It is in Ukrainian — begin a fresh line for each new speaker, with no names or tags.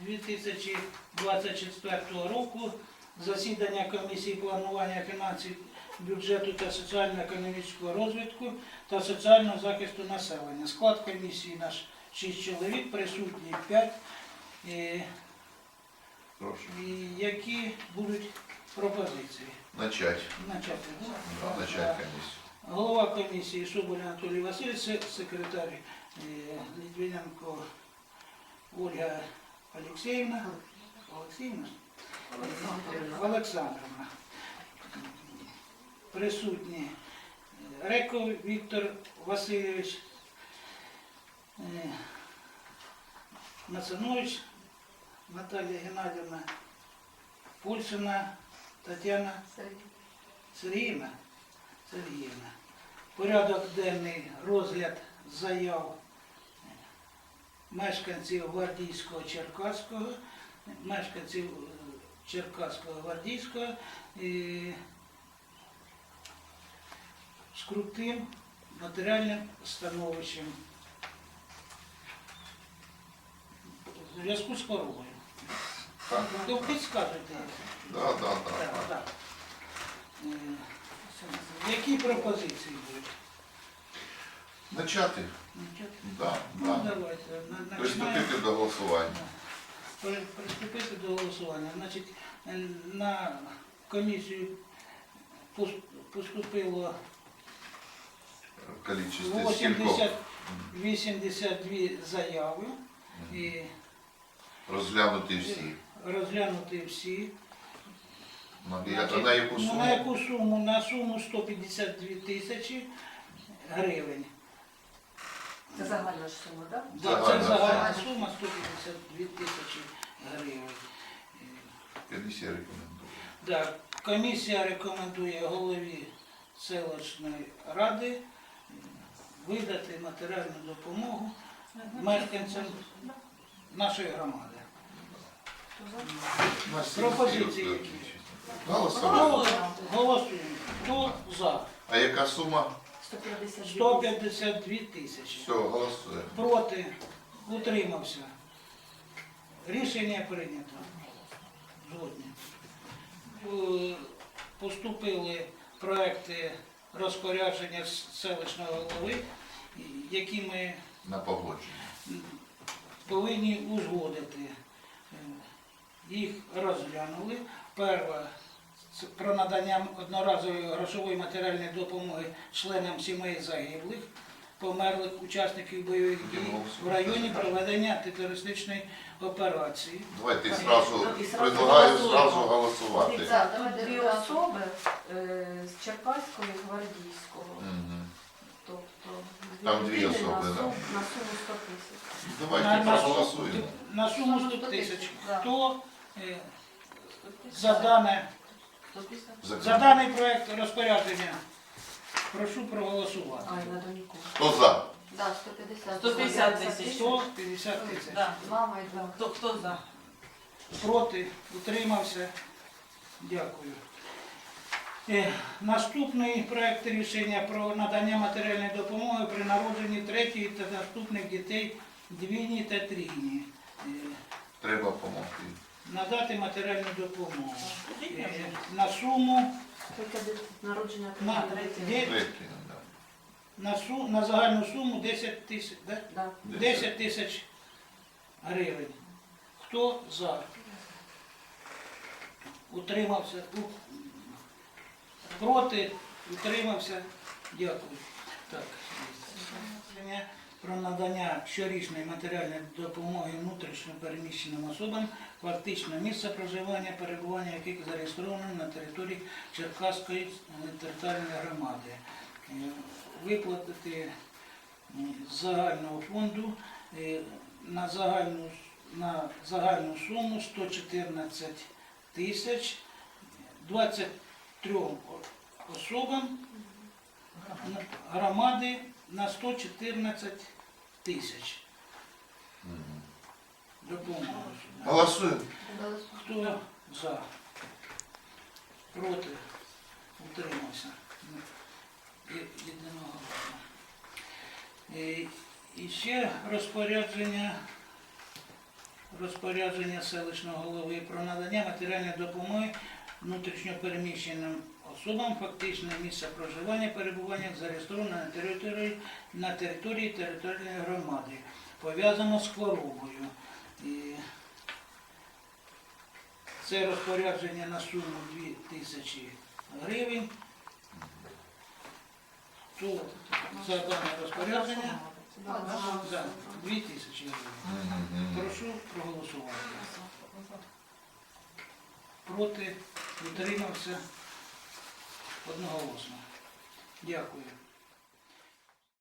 2024 року. Засідання комісії планування фінансів, бюджету та соціально-економічного розвитку та соціального захисту населення. Склад комісії наш 6 чоловік, присутні 5. Які будуть пропозиції?
Начать.
Начати.
Начать комісію.
Голова комісії Соболь Анатолій Васильович, секретар Литвиненко Ольга Олексіївна. Олександровна. Присутні Реков Віктор Васильович, Мацанович Наталія Геннадівна, Пульшина Тетяна Сергіївна. Порядок денний: розгляд заяв мешканців Гвардійського, Черкаського, мешканців Черкаського, Гвардійського з крутим матеріальним становищем в зв'язку з хворобою. То підказуйте.
Так.
Які пропозиції будуть?
Начати? Да.
Давайте.
Приступити до голосування.
Приступити до голосування. Значить, на комісію поступило
Количество скількох?
82 заяви. І
Розглянути всі.
розглянути всі.
На яку суму?
На яку суму? На суму 152 тисячі гривень.
Це загальна ж сума, так?
Це загальна сума 152 тисячі гривень.
Комісія рекомендує.
Да. Комісія рекомендує голові селищної ради видати матеріальну допомогу мешканцям нашої громади. Пропозиції які?
Голосуємо.
Голосуємо. Хто за?
А яка сума?
152 тисячі.
Все, голосуємо.
Проти? Утримався. Рішення прийнято. Згодні. Поступили проекти розпорядження селищного голови, які ми
На погодження.
повинні узгодити. Їх розглянули. Перше – це про надання одноразової грошової матеріальної допомоги членам сімей загиблих, померлих учасників бойових дій в районі проведення антитерористичної операції.
Давайте предлагаю зразу голосувати.
Дві особи з Черкаського і Гвардійського.
Мгм.
Тобто
Там дві
людини
особи,
на
да.
суму 100 тисяч.
Давайте проголосуємо.
На суму 100 тисяч.
Да.
Хто за даний проект розпорядження? Прошу проголосувати.
Ай, надо нікого.
Хто за?
Да, 150.
150 тисяч.
150 тисяч.
Да.
Мама і два.
Хто за?
Проти? Утримався? Дякую. Наступний проект рішення про надання матеріальної допомоги при народженні третьої та наступних дітей двійні та трійні.
Треба допомогти.
Надати матеріальну допомогу. На суму,
Тільки народження
на,
третє.
на загальну суму 10 тисяч, да?
Да.
10 тисяч гривень. Хто за? Утримався? Проти? Утримався? Дякую. Так. Рішення про надання щорічної матеріальної допомоги внутрішньо переміщеним особам, фактично місце проживання, перебування яких зареєстровано на території Черкаської територіальної громади. Виплатити з загального фонду на загальну суму 114 тисяч 23 особам громади на 114 тисяч. Допомогу.
Голосуємо.
Хто за? Проти? Утримався. Єдиноголосно. І ще розпорядження селищного голови про надання матеріальної допомоги внутрішньопереміщеним особам фактичне місце проживання, перебування зареєстровано на території територіальної громади, пов'язано з хворобою. І це розпорядження на суму 2000 гривень. Хто за дане розпорядження? За 2000 гривень. Прошу проголосувати. Проти, утримався одноголосно. Дякую.